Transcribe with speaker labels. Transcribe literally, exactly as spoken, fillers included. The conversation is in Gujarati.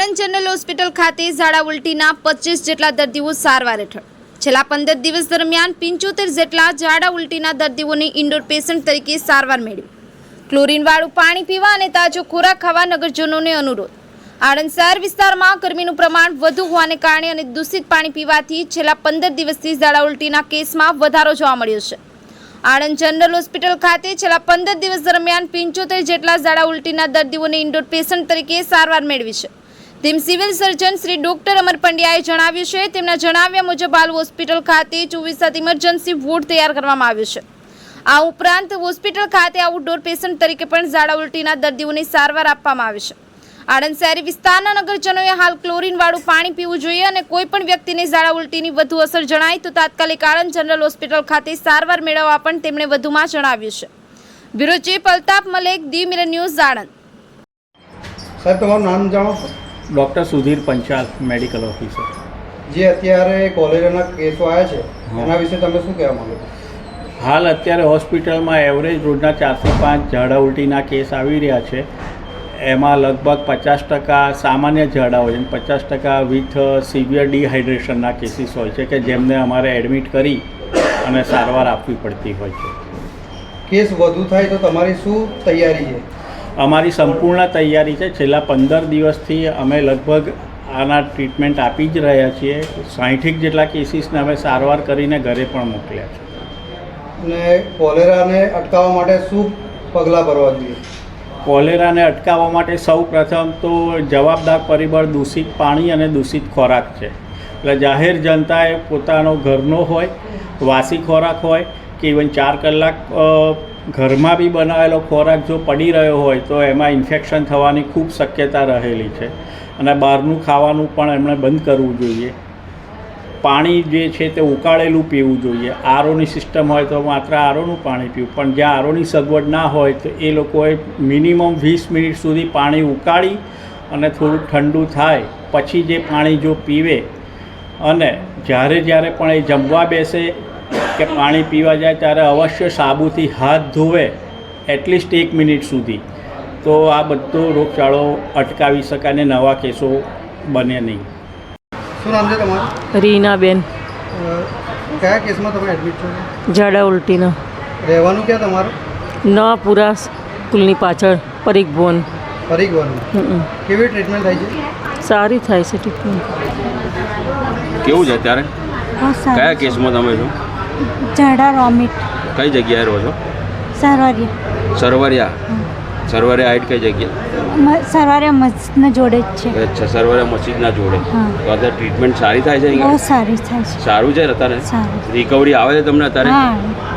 Speaker 1: આણંદ જનરલ હોસ્પિટલ ખાતે ઝાડા ઉલટીના પચીસ જેટલા દર્દીઓ સારવાર હેઠળ છેલ્લા પંદર દિવસ દરમિયાન પંચોતેર જેટલા ઝાડા ઉલટીના દર્દીઓને ઇન્ડોર પેશન્ટ તરીકે સારવાર મેળવી. ક્લોરીનવાળું પાણી પીવા અને તાજો ખોરાક ખાવા નગરજનોને અનુરોધ. આણંદ શહેર વિસ્તારમાં ગરમીનું પ્રમાણ વધુ હોવાને કારણે અને દૂષિત પાણી પીવાથી છેલ્લા પંદર દિવસથી ઝાડા ઉલટીના કેસમાં વધારો જોવા મળ્યો છે. આણંદ જનરલ હોસ્પિટલ ખાતે છેલ્લા પંદર દિવસ દરમિયાન પંચોતેર જેટલા ઝાડા ઉલટીના દર્દીઓને ઇન્ડોર પેશન્ટ તરીકે સારવાર મેળવી છે. તેમ civil surgeon Shri doctor Amar પંડ્યાએ જણાવ્યું છે. તેમના જણાવ્યા મુજબ હાલ હોસ્પિટલ ખાતે ચોવીસ સાત ઇમરજન્સી વોર્ડ તૈયાર કરવામાં આવ્યો છે. આ ઉપરાંત હોસ્પિટલ ખાતે આઉટડોર પેશન્ટ તરીકે પણ ઝાડા ઉલટીના દર્દીઓને સારવાર આપવામાં આવે છે. આણંદ શહેરી વિસ્તારના નગરજનોએ હાલ ક્લોરીનવાળું પાણી પીવું જોઈએ અને કોઈ પણ વ્યક્તિને ઝાડા ઉલટીની વધુ અસર જણાય તો તાત્કાલિક આણંદ જનરલ હોસ્પિટલ ખાતે સારવાર મેળવવા પણ તેમણે વધુમાં જણાવ્યું છે. બ્યુરો ચીફ અલ્તાફ મલેક, દી મિરર ન્યૂઝ, આણંદ.
Speaker 2: સાહેબ, તમારું નામ જાણો છો?
Speaker 3: Doctor Sudhir Panchal, medical officer.
Speaker 2: જે અત્યારે કોલેરાના કેસો આવ્યા છે એના વિશે તમે શું કહેવા માંગો છો?
Speaker 3: હાલ અત્યારે હોસ્પિટલમાં એવરેજ રોજના ચારસો પાંચ ઝાડા ઉલટીના કેસ આવી રહ્યા છે. એમાં લગભગ પચાસ ટકા સામાન્ય ઝાડા હોય છે, પચાસ ટકા વિથ સિવિયર ડિહાઇડ્રેશનના કેસીસ હોય છે કે જેમને અમારે એડમિટ કરી અને સારવાર આપવી પડતી હોય છે.
Speaker 2: કેસ વધુ થાય તો તમારી શું તૈયારી છે?
Speaker 3: અમારી સંપૂર્ણ તૈયારી છે. છેલ્લા પંદર દિવસથી અમે લગભગ આના ટ્રીટમેન્ટ આપી જ રહ્યા છીએ. સાઠેક જેટલા કેસીસને અમે સારવાર કરીને ઘરે પણ મોકલ્યા છે.
Speaker 2: અને કોલેરાને અટકાવવા માટે શું પગલાં ભરવા જોઈએ?
Speaker 3: કોલેરાને અટકાવવા માટે સૌ પ્રથમ તો જવાબદાર પરિબળ દૂષિત પાણી અને દૂષિત ખોરાક છે. એટલે જાહેર જનતાએ પોતાનો ઘરનો હોય, વાસી ખોરાક હોય કે ઇવન ચાર કલાક ઘરમાં બી બનાવેલો ખોરાક જો પડી રહ્યો હોય તો એમાં ઇન્ફેક્શન થવાની ખૂબ શક્યતા રહેલી છે. અને બહારનું ખાવાનું પણ એમણે બંધ કરવું જોઈએ. પાણી જે છે તે ઉકાળેલું પીવું જોઈએ. આરોની સિસ્ટમ હોય તો માત્ર આરોનું પાણી પીવું, પણ જ્યાં આરોની સગવડ ના હોય તો એ લોકોએ મિનિમમ વીસ મિનિટ સુધી પાણી ઉકાળી અને થોડું ઠંડુ થાય પછી જે પાણી જો પીવે અને જ્યારે જ્યારે પણ એ જમવા બેસે કે પાણી પીવા જાય ત્યારે અવશ્ય સાબુથી હાથ ધોવે એટલીસ્ટ એક મિનિટ સુધી, તો આ બધો રોગચાળો અટકાવી શકાય અને નવા કેસો બને નહીં.
Speaker 2: શું નામ છે તમારું?
Speaker 4: રીનાબેન.
Speaker 2: કયા કેસમાં તમે એડમિટ છો?
Speaker 4: ઝાડા ઉલટીના.
Speaker 2: રહેવાનું ક્યાં તમારું?
Speaker 4: નવાપુરા સ્કૂલની પાછળ પરીખ ભવન.
Speaker 2: પરીખ ભવન. કેવી ટ્રીટમેન્ટ થાય છે?
Speaker 4: સારી થાય છે ટ્રીટમેન્ટ.
Speaker 5: કેવું છે અત્યારે? કયા કેસમાં તમે છો?
Speaker 6: ઝાડા વોમિટ.
Speaker 5: કઈ જગ્યાએ રહો છો?
Speaker 6: સરવારિયા.
Speaker 5: સરવરિયા. સરવરિયા હાઈટ કઈ જગ્યા?
Speaker 6: સરવારિયા મસ્જિદના જોડે જ છે.
Speaker 5: અચ્છા, સરવરિયા મસ્જિદના જોડે. તો અત્યારે ટ્રીટમેન્ટ સારી થાય છે?
Speaker 6: બહુ સારી થાય છે.
Speaker 5: સારું છે અત્યારે?
Speaker 6: સારું.
Speaker 5: રિકવરી આવે છે તમને અત્યારે?
Speaker 6: હા.